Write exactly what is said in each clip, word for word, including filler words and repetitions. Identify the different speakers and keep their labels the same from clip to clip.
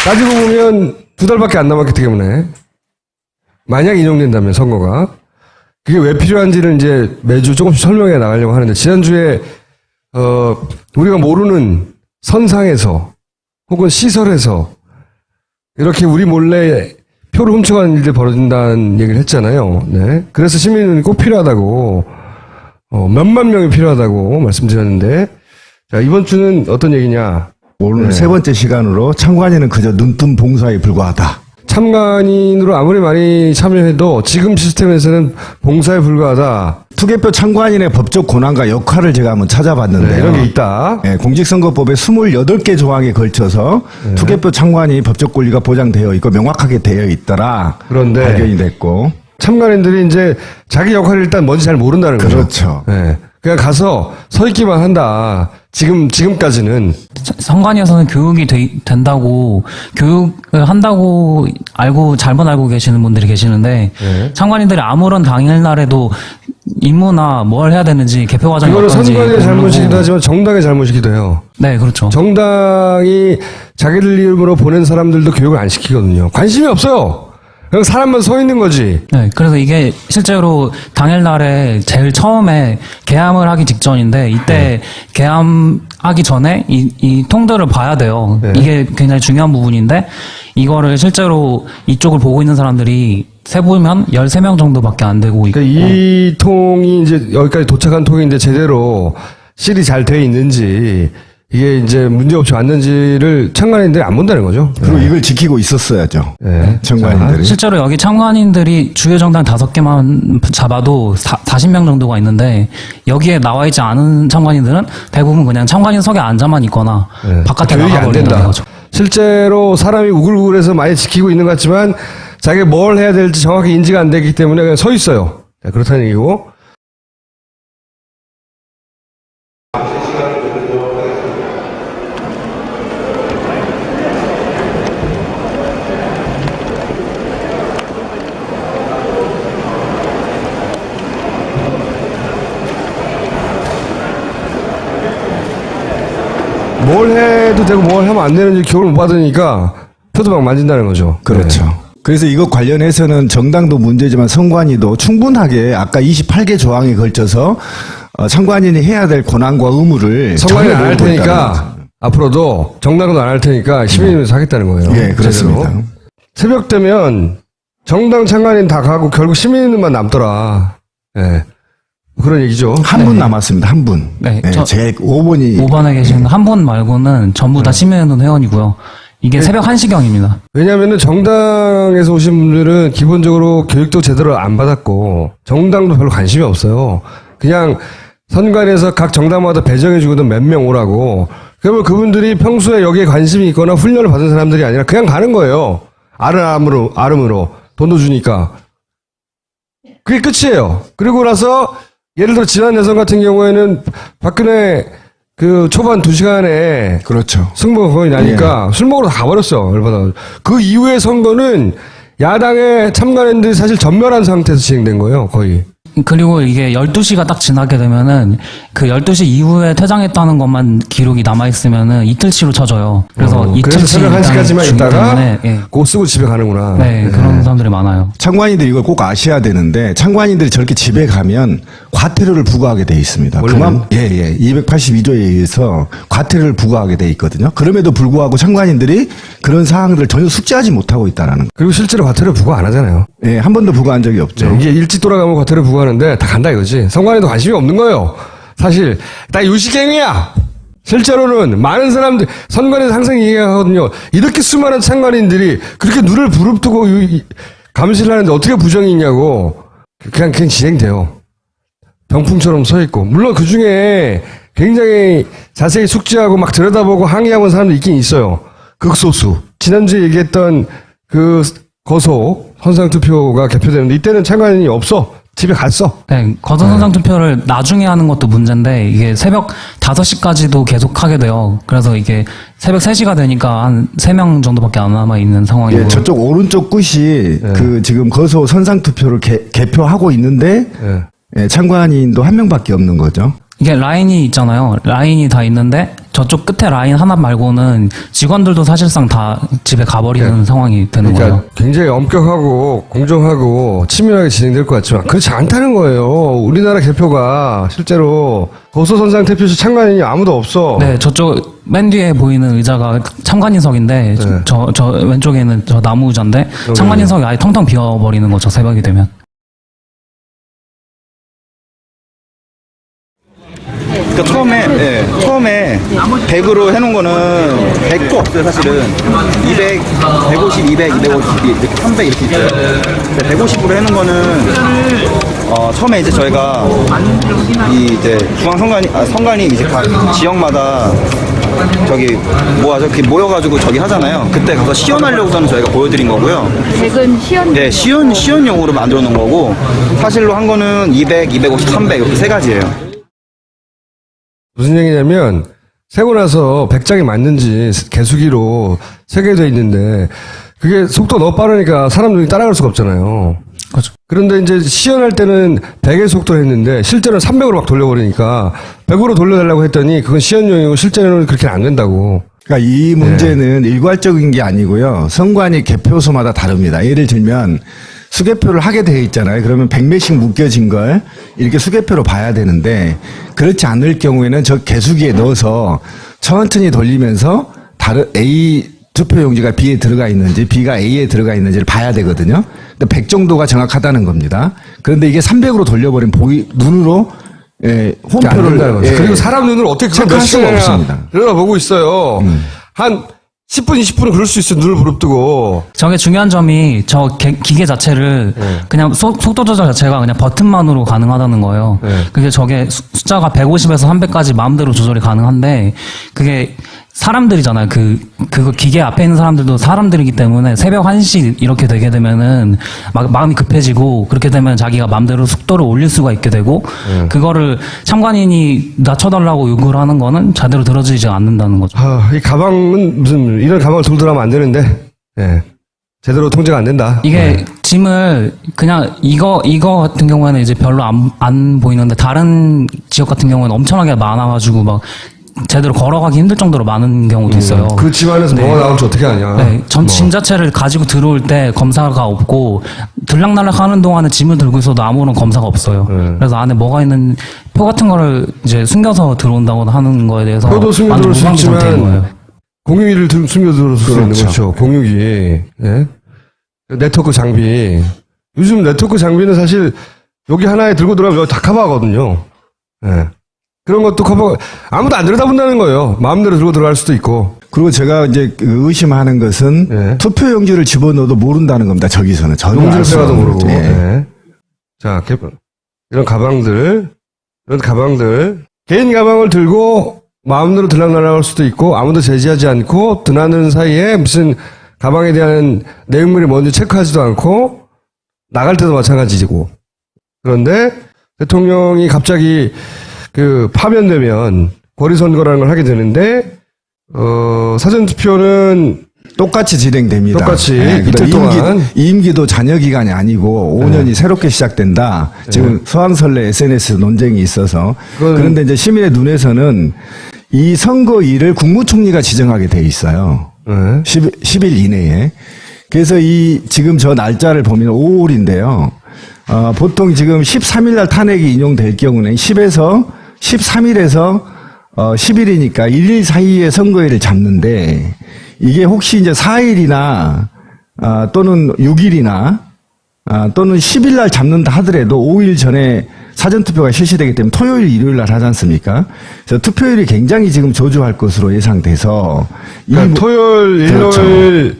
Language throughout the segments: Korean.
Speaker 1: 따지고 보면 두 달밖에 안 남았기 때문에 만약 인용된다면 선거가 그게 왜 필요한지를 이제 매주 조금씩 설명해 나가려고 하는데 지난주에 어 우리가 모르는 선상에서 혹은 시설에서 이렇게 우리 몰래 표를 훔쳐가는 일들이 벌어진다는 얘기를 했잖아요. 네. 그래서 시민은 꼭 필요하다고 어, 몇만 명이 필요하다고 말씀드렸는데 자 이번 주는 어떤 얘기냐.
Speaker 2: 오늘
Speaker 1: 네.
Speaker 2: 세 번째 시간으로 참관인은 그저 눈뜬 봉사에 불과하다.
Speaker 1: 참관인으로 아무리 많이 참여해도 지금 시스템에서는 봉사에 불과하다.
Speaker 2: 투개표 참관인의 법적 권한과 역할을 제가 한번 찾아봤는데요.
Speaker 1: 네, 이런 게 있다.
Speaker 2: 네, 공직선거법에 스물여덟 개 조항에 걸쳐서
Speaker 1: 네.
Speaker 2: 투개표 참관이 법적 권리가 보장되어 있고 명확하게 되어 있더라.
Speaker 1: 그런데
Speaker 2: 발견이 됐고.
Speaker 1: 참관인들이 이제 자기 역할을 일단 뭔지 잘 모른다는 거죠.
Speaker 2: 그렇죠.
Speaker 1: 네. 그냥 가서 서 있기만 한다. 지금, 지금까지는.
Speaker 3: 선관위에서는 교육이 되, 된다고, 교육을 한다고 알고, 잘못 알고 계시는 분들이 계시는데,
Speaker 1: 네.
Speaker 3: 참관인들이 아무런 당일날에도 임무나 뭘 해야 되는지, 개표 과정이
Speaker 1: 이거는
Speaker 3: 어떤지.
Speaker 1: 선관위의
Speaker 3: 모르고.
Speaker 1: 잘못이기도 하지만 정당의 잘못이기도 해요.
Speaker 3: 네, 그렇죠.
Speaker 1: 정당이 자기들 이름으로 보낸 사람들도 교육을 안 시키거든요. 관심이 없어요. 그냥 사람만 서 있는 거지.
Speaker 3: 네, 그래서 이게 실제로 당일날에 제일 처음에 개함을 하기 직전인데 이때
Speaker 1: 네.
Speaker 3: 개함하기 전에 이, 이 통들을 봐야 돼요.
Speaker 1: 네.
Speaker 3: 이게 굉장히 중요한 부분인데 이거를 실제로 이쪽을 보고 있는 사람들이 세보면 열세 명 정도밖에 안 되고 있고.
Speaker 1: 그러니까 이 통이 이제 여기까지 도착한 통인데 제대로 실이 잘 돼 있는지 이게 이제 문제없이 왔는지를 참관인들이 안 본다는 거죠.
Speaker 2: 그리고 이걸 지키고 있었어야죠.
Speaker 1: 네.
Speaker 2: 참관인들이.
Speaker 3: 실제로 여기 참관인들이 주요 정당 다섯 개만 잡아도 사십 명 정도가 있는데 여기에 나와 있지 않은 참관인들은 대부분 그냥 참관인석에 앉아만 있거나
Speaker 1: 네.
Speaker 3: 바깥에
Speaker 1: 교육이 안
Speaker 3: 나가버린다는
Speaker 1: 된다.
Speaker 3: 거죠.
Speaker 1: 실제로 사람이 우글우글해서 많이 지키고 있는 것 같지만 자기가 뭘 해야 될지 정확히 인지가 안 되기 때문에 그냥 서 있어요. 네, 그렇다는 얘기고. 뭘 해도 되고 뭘 하면 안 되는지 교육을 못 받으니까 표도 막 만진다는 거죠.
Speaker 2: 그렇죠.
Speaker 1: 네.
Speaker 2: 그래서 이것 관련해서는 정당도 문제지만 선관위도 충분하게 아까 이십팔 개 조항에 걸쳐서 어, 참관인이 해야 될 권한과 의무를
Speaker 1: 선관위는 안 할
Speaker 2: 정해놓고 있다는
Speaker 1: 테니까
Speaker 2: 거죠.
Speaker 1: 앞으로도 정당도 안 할 테니까 시민이면서 하겠다는 거예요.
Speaker 2: 예, 그렇습니다.
Speaker 1: 제대로. 새벽 되면 정당 참관인 다 가고 결국 시민만 남더라. 예. 그런 얘기죠.
Speaker 2: 한 분
Speaker 3: 네.
Speaker 2: 남았습니다. 한 분.
Speaker 3: 네,
Speaker 2: 네,
Speaker 3: 저-
Speaker 2: 제 오 번이
Speaker 3: 오 번에 계신 한 분 말고는 전부 다 시민운동 회원이고요. 이게 새벽 한 시경입니다.
Speaker 1: 왜냐하면 정당에서 오신 분들은 기본적으로 교육도 제대로 안 받았고 정당도 별로 관심이 없어요. 그냥 선관위에서 각 정당마다 배정해주거든 몇 명 오라고. 그러면 그분들이 평소에 여기에 관심이 있거나 훈련을 받은 사람들이 아니라 그냥 가는 거예요. 아름으로, 아름으로. 돈도 주니까. 그게 끝이에요. 그리고 나서 예를 들어 지난 대선 같은 경우에는 박근혜 그 초반 두 시간에
Speaker 2: 그렇죠.
Speaker 1: 승부가 거의 나니까 술 먹으러 다 가버렸어. 얼마나. 그 이후의 선거는 야당의 참관인들이 사실 전멸한 상태에서 진행된 거예요. 거의.
Speaker 3: 그리고 이게 열두 시가 딱 지나게 되면은 그 열두 시 이후에 퇴장했다는 것만 기록이 남아있으면은 이틀치로 쳐져요. 그래서
Speaker 1: 어, 그래서
Speaker 3: 이틀치
Speaker 1: 새벽 한 시까지만
Speaker 3: 일단은
Speaker 1: 있다가
Speaker 3: 때문에, 예.
Speaker 1: 그거 쓰고 집에 가는구나.
Speaker 3: 네, 그런 사람들이 많아요.
Speaker 2: 참관인들이 이걸 꼭 아셔야 되는데 참관인들이 저렇게 집에 가면 과태료를 부과하게 돼 있습니다.
Speaker 1: 원래는?
Speaker 2: 그만 예예 이백팔십이 조에 의해서 과태료를 부과하게 돼 있거든요. 그럼에도 불구하고 참관인들이 그런 사항들을 전혀 숙지하지 못하고 있다라는 거.
Speaker 1: 그리고 실제로 과태료 부과 안 하잖아요.
Speaker 2: 예, 한 번도 부과한 적이 없죠.
Speaker 1: 이게 일찍 돌아가면 과태료 부과하는데 다 간다 이거지. 선관위도 관심이 없는 거예요. 사실 다 유식행위야. 실제로는 많은 사람들 선관위에서 항상 얘기하거든요. 이렇게 수많은 참관인들이 그렇게 눈을 부릅뜨고 유- 감시를 하는데 어떻게 부정이 있냐고. 그냥 그냥 진행돼요. 병풍처럼 서 있고. 물론 그 중에 굉장히 자세히 숙지하고 막 들여다보고 항의하고 하는 사람도 있긴 있어요. 극소수. 지난주에 얘기했던 그 거소 선상투표가 개표되는데 이때는 참관인이 없어. 집에 갔어.
Speaker 3: 네, 거소선상 투표를 나중에 하는 것도 문제인데 이게 새벽 다섯 시까지도 계속 하게 돼요. 그래서 이게 새벽 세 시가 되니까 한 세 명 정도밖에 안 남아 있는 상황이고.
Speaker 2: 예, 저쪽 오른쪽 끝이 그 지금 거소 선상 투표를 개, 개표하고 있는데
Speaker 1: 예.
Speaker 2: 예, 참관인도 한 명밖에 없는 거죠.
Speaker 3: 이게 라인이 있잖아요. 라인이 다 있는데 저쪽 끝에 라인 하나 말고는 직원들도 사실상 다 집에 가버리는
Speaker 1: 네.
Speaker 3: 상황이 되는
Speaker 1: 그러니까
Speaker 3: 거예요.
Speaker 1: 굉장히 엄격하고 공정하고 치밀하게 진행될 것 같지만 그렇지 않다는 거예요. 우리나라 개표가 실제로 고소선상 대표실 참관인이 아무도 없어.
Speaker 3: 네, 저쪽 맨 뒤에 보이는 의자가 참관인석인데
Speaker 1: 네.
Speaker 3: 저, 저 왼쪽에 있는 저 나무 의자인데 참관인석이 아예 텅텅 비어버리는 거죠. 새벽이 되면.
Speaker 4: 그러니까 처음에 예, 처음에 백으로 해놓은 거는 백도 없어요 사실은. 이백, 백오십, 이백, 이백오십 이렇게 삼백 이렇게 있어요. 근데 백오십으로 해놓은 거는 어, 처음에 이제 저희가 이 이제 중앙 선관위 아, 선관위 이제 각 지역마다 저기 모아서 이렇게 모여가지고 저기 하잖아요. 그때 가서 시연하려고서는 저희가 보여드린 거고요.
Speaker 5: 백은 시연.
Speaker 4: 네, 시연 시연용으로 만들어 놓은 거고 사실로 한 거는 이백, 이백오십, 삼백 이렇게 세 가지예요.
Speaker 1: 무슨 얘기냐면 세고 나서 백 장이 맞는지 개수기로 세개돼 있는데 그게 속도 너무 빠르니까 사람 눈이 따라갈 수가 없잖아요.
Speaker 3: 그렇죠.
Speaker 1: 그런데 이제 시연할 때는 백의 속도 했는데 실제로는 삼백으로 막 돌려버리니까 백으로 돌려달라고 했더니 그건 시연용이고 실제로는 그렇게 안 된다고.
Speaker 2: 그러니까 이
Speaker 1: 네.
Speaker 2: 문제는 일괄적인 게 아니고요. 선관위 개표소마다 다릅니다. 예를 들면 수개표를 하게 되어 있잖아요. 그러면 백매씩 묶여진 걸 이렇게 수개표로 봐야 되는데 그렇지 않을 경우에는 저 개수기에 넣어서 천천히 돌리면서 다른 A 투표용지가 B에 들어가 있는지 B가 A에 들어가 있는지를 봐야 되거든요. 근데 백 정도가 정확하다는 겁니다. 그런데 이게 삼백으로 돌려버린 보이 눈으로 예,
Speaker 1: 그게 안 된다는
Speaker 2: 홈표를
Speaker 1: 거죠.
Speaker 2: 예,
Speaker 1: 그리고 사람 눈을 어떻게
Speaker 2: 체크할
Speaker 1: 몇
Speaker 2: 수가
Speaker 1: 시간이나
Speaker 2: 없습니다.
Speaker 1: 들여다보고 있어요. 한 십 분, 이십 분은 그럴 수 있어요. 눈을 부릅뜨고.
Speaker 3: 저게 중요한 점이 저 개- 기계 자체를
Speaker 1: 네.
Speaker 3: 그냥 속, 속도 조절 자체가 그냥 버튼만으로 가능하다는 거예요.
Speaker 1: 네.
Speaker 3: 그게 저게 수- 숫자가 백오십에서 삼백까지 마음대로 조절이 가능한데 그게 사람들이잖아요. 그, 그거 기계 앞에 있는 사람들도 사람들이기 때문에 새벽 한 시 이렇게 되게 되면은 막 마음이 급해지고 그렇게 되면 자기가 마음대로 속도를 올릴 수가 있게 되고
Speaker 1: 네.
Speaker 3: 그거를 참관인이 낮춰달라고 요구를 하는 거는 제대로 들어지지 않는다는 거죠.
Speaker 1: 아, 이 가방은 무슨 이런 가방을 들고 들어가면 안 되는데. 예. 제대로 통제가 안 된다.
Speaker 3: 이게
Speaker 1: 예.
Speaker 3: 짐을 그냥 이거 이거 같은 경우에는 이제 별로 안, 안 보이는데 다른 지역 같은 경우는 엄청나게 많아가지고 막 제대로 걸어가기 힘들 정도로 많은 경우도 있어요.
Speaker 1: 그 집안에서 뭐가 나올지 어떻게 아냐.
Speaker 3: 네, 전
Speaker 1: 뭐.
Speaker 3: 짐 자체를 가지고 들어올 때 검사가 없고 들락날락 하는 동안에 짐을 들고 있어도 아무런 검사가 없어요.
Speaker 1: 네.
Speaker 3: 그래서 안에 뭐가 있는 표 같은 거를 이제 숨겨서 들어온다고 하는 거에 대해서
Speaker 1: 표도 숨겨
Speaker 3: 완전
Speaker 1: 들어올 수
Speaker 3: 무방비 상태인
Speaker 1: 있지만
Speaker 3: 거예요.
Speaker 1: 공유기를 들- 숨겨 들어올 수 있는
Speaker 2: 그렇죠.
Speaker 1: 거죠. 공유기. 예? 네트워크 장비. 요즘 네트워크 장비는 사실 여기 하나에 들고 들어가면 여기 다 커버하거든요. 예. 그런 것도 커버, 아무도 안 들여다본다는 거예요. 마음대로 들고 들어갈 수도 있고.
Speaker 2: 그리고 제가 이제 그 의심하는 것은
Speaker 1: 예.
Speaker 2: 투표용지를 집어넣어도 모른다는 겁니다. 저기서는 전혀 알
Speaker 1: 용지를
Speaker 2: 수
Speaker 1: 빼가도
Speaker 2: 없는.
Speaker 1: 모르고.
Speaker 2: 예.
Speaker 1: 예. 자, 개- 이런 가방들, 이런 가방들. 개인 가방을 들고 마음대로 들락날락할 수도 있고 아무도 제지하지 않고 드나드는 사이에 무슨 가방에 대한 내용물이 뭔지 체크하지도 않고 나갈 때도 마찬가지고. 그런데 대통령이 갑자기 그 파면되면 권리선거라는 걸 하게 되는데 어 사전투표는
Speaker 2: 똑같이 진행됩니다.
Speaker 1: 똑같이
Speaker 2: 예,
Speaker 1: 이틀
Speaker 2: 임기,
Speaker 1: 동안.
Speaker 2: 임기도 잔여 기간이 아니고 오 년이 새롭게 시작된다. 지금 서항설레 에스엔에스 논쟁이 있어서
Speaker 1: 그건-
Speaker 2: 그런데 이제 시민의 눈에서는 이 선거일을 국무총리가 지정하게 돼 있어요.
Speaker 1: 네.
Speaker 2: 십 일 이내에. 그래서 이 지금 저 날짜를 보면 오월인데요. 어, 보통 지금 십삼 일 날 탄핵이 인용될 경우는 십에서 십삼 일에서 어, 십 일이니까 일 일 사이에 선거일을 잡는데 이게 혹시 이제 사 일이나 아, 또는 육 일이나 아, 또는 십 일 날 잡는다 하더라도 오 일 전에 사전투표가 실시되기 때문에 토요일, 일요일 날 하지 않습니까? 그래서 투표율이 굉장히 지금 저조할 것으로 예상돼서 이
Speaker 1: 그러니까
Speaker 2: 부-
Speaker 1: 토요일,
Speaker 2: 그렇죠.
Speaker 1: 일요일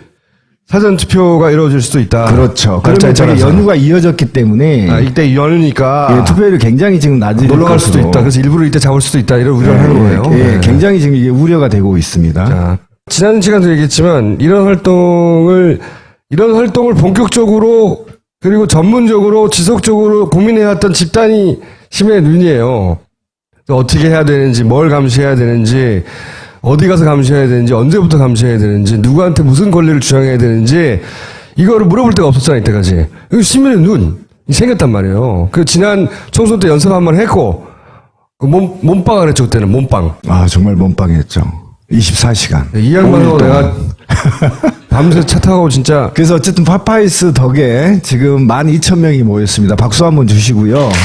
Speaker 1: 사전투표가 이루어질 수도 있다.
Speaker 2: 그렇죠.
Speaker 1: 날짜에
Speaker 2: 그러면 저게
Speaker 1: 따라서.
Speaker 2: 연휴가 이어졌기 때문에
Speaker 1: 아, 이때 연휴니까
Speaker 2: 예, 투표율이 굉장히 지금 낮을
Speaker 1: 놀러 갈 수도
Speaker 2: 것으로.
Speaker 1: 있다. 그래서 일부러 이때 잡을 수도 있다. 이런 우려를 하는 거예요.
Speaker 2: 예,
Speaker 1: 네.
Speaker 2: 굉장히 지금 이게 우려가 되고 있습니다.
Speaker 1: 자, 지난 시간도 얘기했지만 이런 활동을 이런 활동을 본격적으로 그리고 전문적으로 지속적으로 고민해왔던 집단이 시민의 눈이에요. 어떻게 해야 되는지, 뭘 감시해야 되는지, 어디 가서 감시해야 되는지, 언제부터 감시해야 되는지, 누구한테 무슨 권리를 주장해야 되는지 이거를 물어볼 데가 없었잖아 이때까지. 이거 시민의 눈이 생겼단 말이에요. 그 지난 총선 때 연습 한번 했고 그 몸, 몸빵을 했죠, 그때는. 몸빵.
Speaker 2: 아, 정말 몸빵했죠. 이십사 시간.
Speaker 1: 이 양반하고 내가 밤새 차 타고 진짜.
Speaker 2: 그래서 어쨌든 파파이스 덕에 지금 만 이천 명이 모였습니다. 박수 한번 주시고요. 네.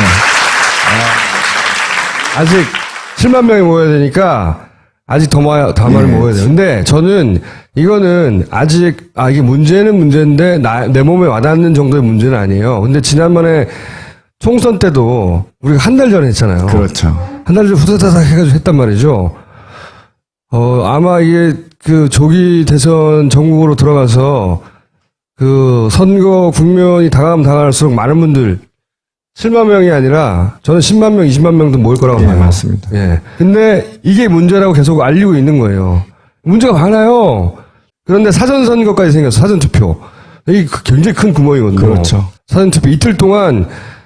Speaker 1: 아직 칠만 명이 모여야 되니까 아직 더, 마, 더 많이
Speaker 2: 네.
Speaker 1: 모여야 돼요. 근데 저는 이거는 아직, 아, 이게 문제는 문제인데 나, 내 몸에 와닿는 정도의 문제는 아니에요. 근데 지난번에 총선 때도 우리가 한 달 전에 했잖아요.
Speaker 2: 그렇죠.
Speaker 1: 한 달 전에 후다다닥 해가지고 했단 말이죠. 어, 아마 이게 그 조기 대선 전국으로 들어가서 그 선거 국면이 다가가면 다가갈수록 많은 분들 칠만 명이 아니라 저는 십만 명, 이십만 명도 모일 거라고
Speaker 2: 예,
Speaker 1: 봐요.
Speaker 2: 맞습니다.
Speaker 1: 예. 근데 이게 문제라고 계속 알리고 있는 거예요. 문제가 많아요. 그런데 사전선거까지 생겼어. 사전투표. 이게 굉장히 큰 구멍이거든요.
Speaker 2: 그렇죠.
Speaker 1: 사전투표 이틀 동안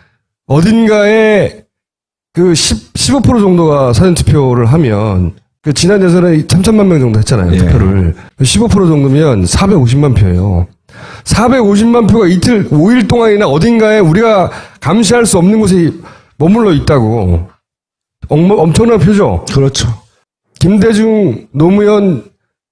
Speaker 1: 어딘가에 그 십, 십오 퍼센트 정도가 사전투표를 하면 그 지난 대선에 삼천만 명 정도 했잖아요.
Speaker 2: 예.
Speaker 1: 투표를. 십오 퍼센트 정도면 사백오십만 표예요. 사백오십만 표가 이틀, 오 일 동안이나 어딘가에 우리가 감시할 수 없는 곳에 머물러 있다고. 엄- 엄청난 표죠.
Speaker 2: 그렇죠.
Speaker 1: 김대중, 노무현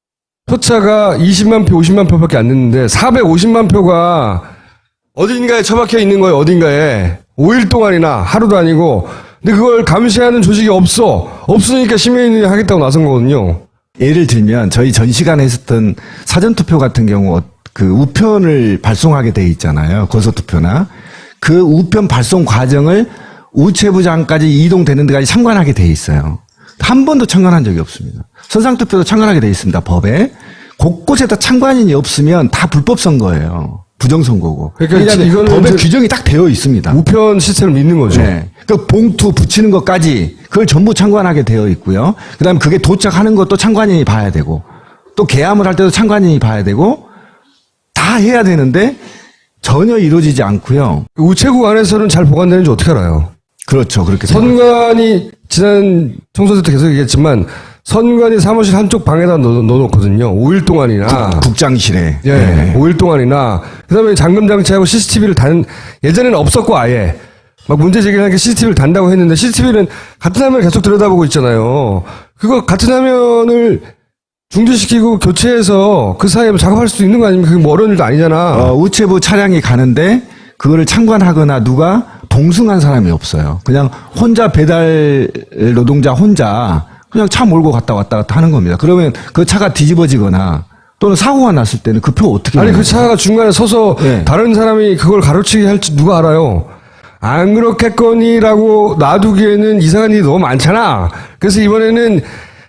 Speaker 1: 표차가 이십만 표, 오십만 표밖에 안 됐는데 사백오십만 표가 어딘가에 처박혀 있는 거예요. 어딘가에. 오 일 동안이나 하루도 아니고. 근데 그걸 감시하는 조직이 없어. 없으니까 시민이 하겠다고 나선 거거든요.
Speaker 2: 예를 들면 저희 전 시간에 했었던 사전투표 같은 경우 어- 그 우편을 발송하게 돼 있잖아요. 고소투표나. 그 우편 발송 과정을 우체부장까지 이동되는 데까지 참관하게 돼 있어요. 한 번도 참관한 적이 없습니다. 선상투표도 참관하게 돼 있습니다. 법에. 곳곳에다 참관인이 없으면 다 불법 선거예요. 부정선거고.
Speaker 1: 그러니까 이거는
Speaker 2: 법에
Speaker 1: 이제
Speaker 2: 규정이 딱 되어 있습니다.
Speaker 1: 우편 시스템을 믿는 거죠.
Speaker 2: 네. 그 봉투 붙이는 것까지 그걸 전부 참관하게 되어 있고요. 그다음에 그게 도착하는 것도 참관인이 봐야 되고 또 개함을 할 때도 참관인이 봐야 되고 다 해야 되는데 전혀 이루어지지 않고요.
Speaker 1: 우체국 안에서는 잘 보관되는지 어떻게 알아요?
Speaker 2: 그렇죠. 그렇게
Speaker 1: 선관이 지난 총선 때 계속 얘기했지만 선관이 사무실 한쪽 방에다 넣, 넣어놓거든요. 오 일 동안이나.
Speaker 2: 국장실에.
Speaker 1: 예,
Speaker 2: 네.
Speaker 1: 오 일 동안이나. 그 다음에 잠금 장치하고 씨씨티비를 단, 예전에는 없었고 아예. 막 문제 제기를 하니까 씨씨티비를 단다고 했는데 씨씨티비는 같은 화면을 계속 들여다보고 있잖아요. 그거 같은 화면을 중지시키고 교체해서 그 사이에 작업할 수도 있는 거 아닙니까? 그게 뭐 어려운 일도 아니잖아.
Speaker 2: 어, 우체부 차량이 가는데 그거를 참관하거나 누가 동승한 사람이 없어요. 그냥 혼자 배달 노동자 혼자 그냥 차 몰고 갔다 왔다 갔다 하는 겁니다. 그러면 그 차가 뒤집어지거나 또는 사고가 났을 때는 그 표 어떻게
Speaker 1: 아니,
Speaker 2: 내요?
Speaker 1: 그 차가 중간에 서서
Speaker 2: 네.
Speaker 1: 다른 사람이 그걸 가로치기 할지 누가 알아요? 안 그렇겠거니라고 놔두기에는 이상한 일이 너무 많잖아. 그래서 이번에는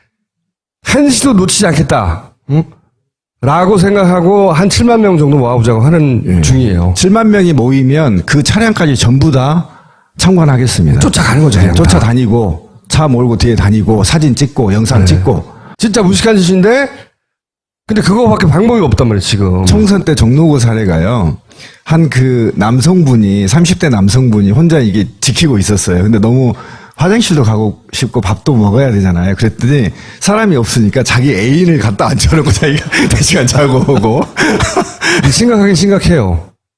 Speaker 1: 한시도 놓치지 않겠다. 응? 라고 생각하고 한 칠만 명 정도 모아보자고 하는
Speaker 2: 예.
Speaker 1: 중이에요.
Speaker 2: 칠만 명이 모이면 그 차량까지 전부 다 참관하겠습니다.
Speaker 1: 쫓아가는 거죠.
Speaker 2: 네,
Speaker 1: 그냥 다.
Speaker 2: 쫓아다니고 차 몰고 뒤에 다니고 사진 찍고 영상
Speaker 1: 네.
Speaker 2: 찍고
Speaker 1: 진짜 무식한 짓인데 근데 그거밖에 방법이 없단 말이에요, 지금.
Speaker 2: 총선 때 종로구 사례가요. 한 그 남성분이 삼십 대 남성분이 혼자 이게 지키고 있었어요. 근데 너무 화장실도 가고 싶고 밥도 먹어야 되잖아요. 그랬더니 사람이 없으니까 자기 애인을 갖다 앉혀놓고 자기가 대시간 자고 오고.
Speaker 1: 심각하긴 심각해요.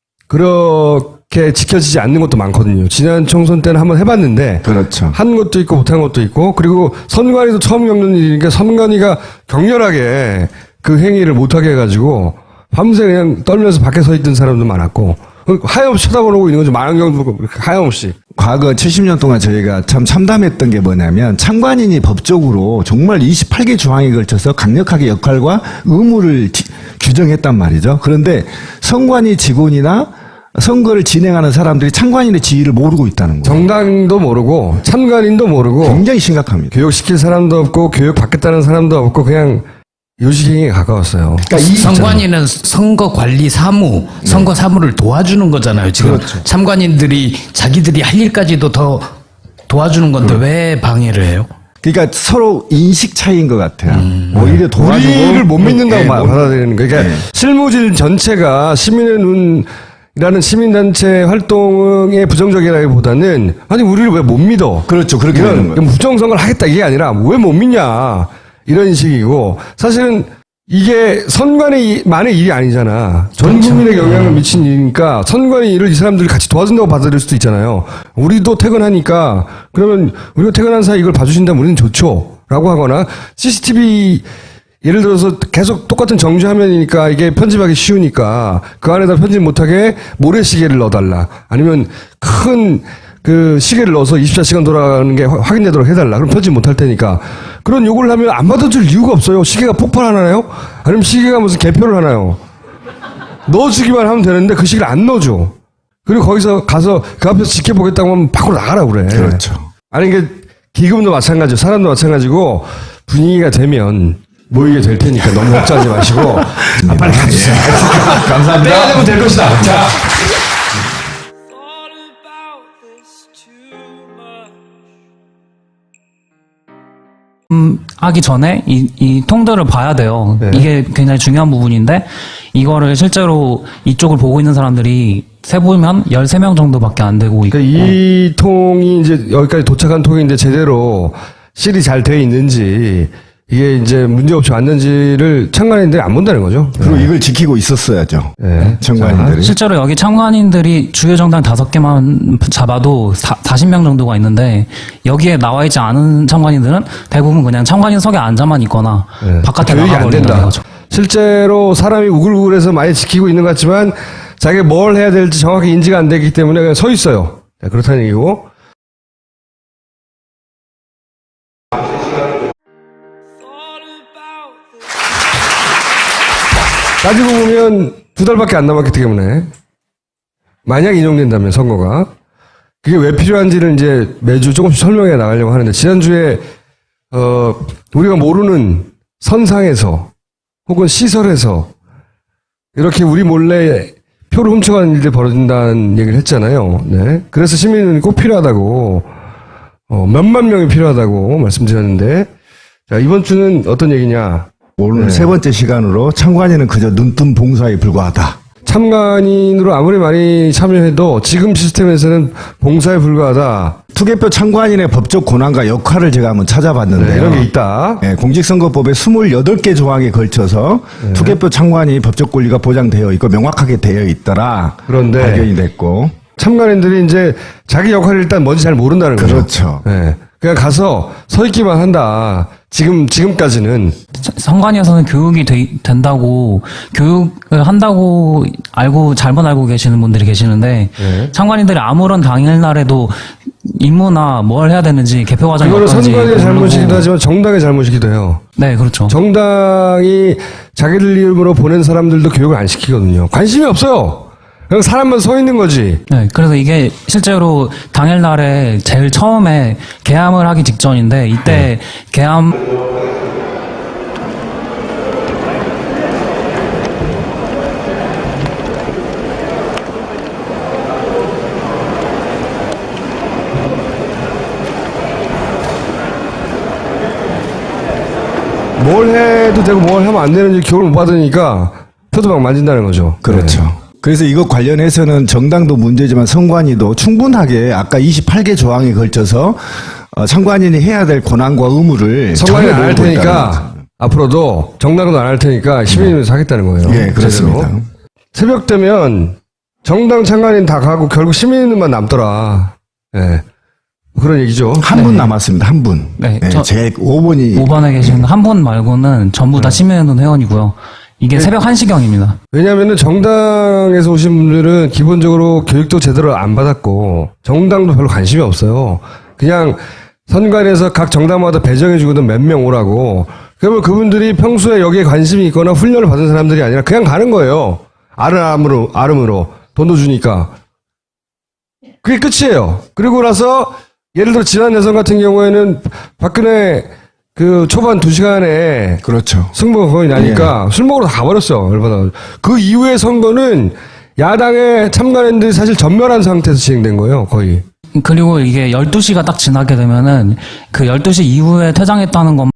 Speaker 1: 그렇게 지켜지지 않는 것도 많거든요. 지난 총선 때는 한번 해봤는데
Speaker 2: 그렇죠.
Speaker 1: 한 것도 있고 못한 것도 있고 그리고 선관위도 처음 겪는 일이니까 선관위가 격렬하게 그 행위를 못하게 해가지고 밤새 그냥 떨면서 밖에 서 있던 사람도 많았고 하염없이 쳐다보고 있는 거죠. 망원경도 보고 하염없이.
Speaker 2: 과거 칠십 년 동안 저희가 참 참담했던 게 뭐냐면 참관인이 법적으로 정말 이십팔 개 조항에 걸쳐서 강력하게 역할과 의무를 지- 규정했단 말이죠. 그런데 선관위 직원이나 선거를 진행하는 사람들이 참관인의 지위를 모르고 있다는 거예요.
Speaker 1: 정당도 모르고 참관인도 모르고
Speaker 2: 굉장히 심각합니다.
Speaker 1: 교육시킬 사람도 없고 교육 받겠다는 사람도 없고 그냥 요식행위에 가까웠어요.
Speaker 2: 그러니까 이
Speaker 5: 선관위는 선거 관리 사무, 선거 사무를 도와주는 거잖아요. 지금
Speaker 2: 그렇죠.
Speaker 5: 참관인들이 자기들이 할 일까지도 더 도와주는 건데 왜 방해를 해요?
Speaker 2: 그러니까 서로 인식 차이인 것 같아요. 오히려 도와주고
Speaker 1: 우리를 못 믿는다고
Speaker 2: 예,
Speaker 1: 마-
Speaker 2: 못-
Speaker 1: 받아들이는 거예요. 그러니까
Speaker 2: 네.
Speaker 1: 실무진 전체가 시민의 눈이라는 시민단체 활동에 부정적이라기보다는 아니 우리를 왜 못 믿어?
Speaker 2: 그렇죠. 그렇게 되는
Speaker 1: 이런
Speaker 2: 거예요.
Speaker 1: 부정선거를 하겠다 이게 아니라 왜 못 믿냐 이런 식이고 사실은 이게 선관위 만의 일이 아니잖아. 전 국민에게 영향을 미친 일이니까 선관위 일을 이 사람들이 같이 도와준다고 받아들일 수도 있잖아요. 우리도 퇴근하니까 그러면 우리가 퇴근한 사이 이걸 봐주신다면 우리는 좋죠. 라고 하거나 씨씨티비 예를 들어서 계속 똑같은 정지 화면이니까 이게 편집하기 쉬우니까 그 안에다 편집 못하게 모래시계를 넣어달라. 아니면 큰 그 시계를 넣어서 이십사 시간 돌아가는 게 화- 확인되도록 해달라. 그럼 편집 못할 테니까. 그런 요구를 하면 안 받아줄 이유가 없어요. 시계가 폭발하나요? 아니면 시계가 무슨 개표를 하나요? 넣어주기만 하면 되는데 그 시계를 안 넣어줘. 그리고 거기서 가서 그 앞에서 지켜보겠다고 하면 밖으로 나가라 그래.
Speaker 2: 그렇죠.
Speaker 1: 아니 이게 기금도 마찬가지고 사람도 마찬가지고 분위기가 되면 모이게 될 테니까 너무 걱정하지 마시고 아, 빨리 가주세요. 감사합니다. 때가 되면 될 것이다. 자.
Speaker 6: thought about this too much.
Speaker 3: 음, 하기 전에 이, 이 통들을 봐야 돼요.
Speaker 1: 네.
Speaker 3: 이게 굉장히 중요한 부분인데 이거를 실제로 이쪽을 보고 있는 사람들이 세보면 열세 명 정도밖에 안 되고 있고
Speaker 1: 그러니까 이 통이 이제 여기까지 도착한 통인데 제대로 실이 잘 돼 있는지 이게 이제 문제없이 왔는지를 참관인들이 안 본다는 거죠.
Speaker 2: 그리고 이걸 지키고 있었어야죠.
Speaker 1: 네.
Speaker 2: 청관인들이.
Speaker 3: 실제로 여기 참관인들이 주요 정당 다섯 개만 잡아도 사십 명 정도가 있는데 여기에 나와 있지 않은 참관인들은 대부분 그냥 참관인석에 앉아만 있거나
Speaker 1: 네.
Speaker 3: 바깥에
Speaker 1: 교육이 안
Speaker 3: 나가버린다는
Speaker 1: 된다.
Speaker 3: 거죠.
Speaker 1: 실제로 사람이 우글우글해서 많이 지키고 있는 것 같지만 자기가 뭘 해야 될지 정확히 인지가 안 되기 때문에 그냥 서 있어요. 네, 그렇다는 얘기고.
Speaker 6: Thought about this.
Speaker 1: 따지고 보면 두 달밖에 안 남았기 때문에 만약 인용된다면 선거가 그게 왜 필요한지를 이제 매주 조금씩 설명해 나가려고 하는데 지난주에 어 우리가 모르는 선상에서 혹은 시설에서 이렇게 우리 몰래 표를 훔쳐가는 일들이 벌어진다는 얘기를 했잖아요. 네. 그래서 시민은 꼭 필요하다고 어, 몇만 명이 필요하다고 말씀드렸는데 자 이번 주는 어떤 얘기냐?
Speaker 2: 오늘
Speaker 1: 네.
Speaker 2: 세 번째 시간으로 참관인은 그저 눈뜬 봉사에 불과하다.
Speaker 1: 참관인으로 아무리 많이 참여해도 지금 시스템에서는 봉사에 불과하다.
Speaker 2: 투개표 참관인의 법적 권한과 역할을 제가 한번
Speaker 1: 네,
Speaker 2: 찾아봤는데요.
Speaker 1: 이런 게 있다.
Speaker 2: 예, 공직선거법의 스물여덟 개 조항에 걸쳐서
Speaker 1: 네.
Speaker 2: 투개표 참관이 법적 권리가 보장되어 있고 명확하게 되어 있더라.
Speaker 1: 그런데
Speaker 2: 발견이 됐고.
Speaker 1: 참관인들이 이제 자기 역할을 일단 뭔지 잘 모른다는 거죠.
Speaker 2: 그렇죠.
Speaker 1: 네. 그냥 가서 서 있기만 한다. 지금 지금까지는
Speaker 3: 선관위에서는 교육이 돼- 된다고 교육을 한다고 알고 잘못 알고 계시는 분들이 계시는데
Speaker 1: 네.
Speaker 3: 참관인들이 아무런 당일날에도 임무나 뭘 해야 되는지 개표 과정이
Speaker 1: 이거는
Speaker 3: 어떤지
Speaker 1: 선관위의 잘못이기도
Speaker 3: 모르고.
Speaker 1: 하지만 정당의 잘못이기도 해요.
Speaker 3: 네, 그렇죠.
Speaker 1: 정당이 자기들 이름으로 보낸 사람들도 교육을 안 시키거든요. 관심이 없어요. 그냥 사람만 서 있는 거지.
Speaker 3: 네, 그래서 이게 실제로 당일날에 제일 처음에 개함을 하기 직전인데 이때 개함
Speaker 1: 뭘 해도 되고 뭘 하면 안 되는지 교육을 못 받으니까 표도 막 만진다는 거죠.
Speaker 2: 그렇죠.
Speaker 1: 네.
Speaker 2: 그래서 이것 관련해서는 정당도 문제지만 선관위도 충분하게 아까 이십팔 개 조항에 걸쳐서 어, 참관인이 해야 될 권한과 의무를
Speaker 1: 선관위 안 할
Speaker 2: 정해놓고 있다는
Speaker 1: 테니까
Speaker 2: 거죠.
Speaker 1: 앞으로도 정당도 안 할 테니까 시민이면서 하겠다는 거예요.
Speaker 2: 예, 그렇습니다.
Speaker 1: 제대로. 새벽 되면 정당 참관인 다 가고 결국 시민만 남더라. 예. 그런 얘기죠.
Speaker 2: 한 분 남았습니다. 한 분.
Speaker 3: 네,
Speaker 2: 네,
Speaker 3: 저-
Speaker 2: 제 오 번이
Speaker 3: 오 번에 계신 한 분 말고는 전부
Speaker 1: 네.
Speaker 3: 다 시민운동 회원이고요. 이게 새벽 한 시경입니다.
Speaker 1: 왜냐하면 정당에서 오신 분들은 기본적으로 교육도 제대로 안 받았고 정당도 별로 관심이 없어요. 그냥 선관위에서 각 정당마다 배정해주거든 몇 명 오라고. 그러면 그분들이 평소에 여기에 관심이 있거나 훈련을 받은 사람들이 아니라 그냥 가는 거예요. 아름으로, 아름으로. 돈도 주니까. 그게 끝이에요. 그리고 나서 예를 들어 지난 대선 같은 경우에는 박근혜 그 초반 두 시간에
Speaker 2: 그렇죠.
Speaker 1: 승부가 거의 나니까 술 먹으러 다 가버렸어. 열받아. 그 이후의 선거는 야당의 참관인들이 사실 전멸한 상태에서 진행된 거예요. 거의.
Speaker 3: 그리고 이게 열두 시가 딱 지나게 되면은 그 열두 시 이후에 퇴장했다는 것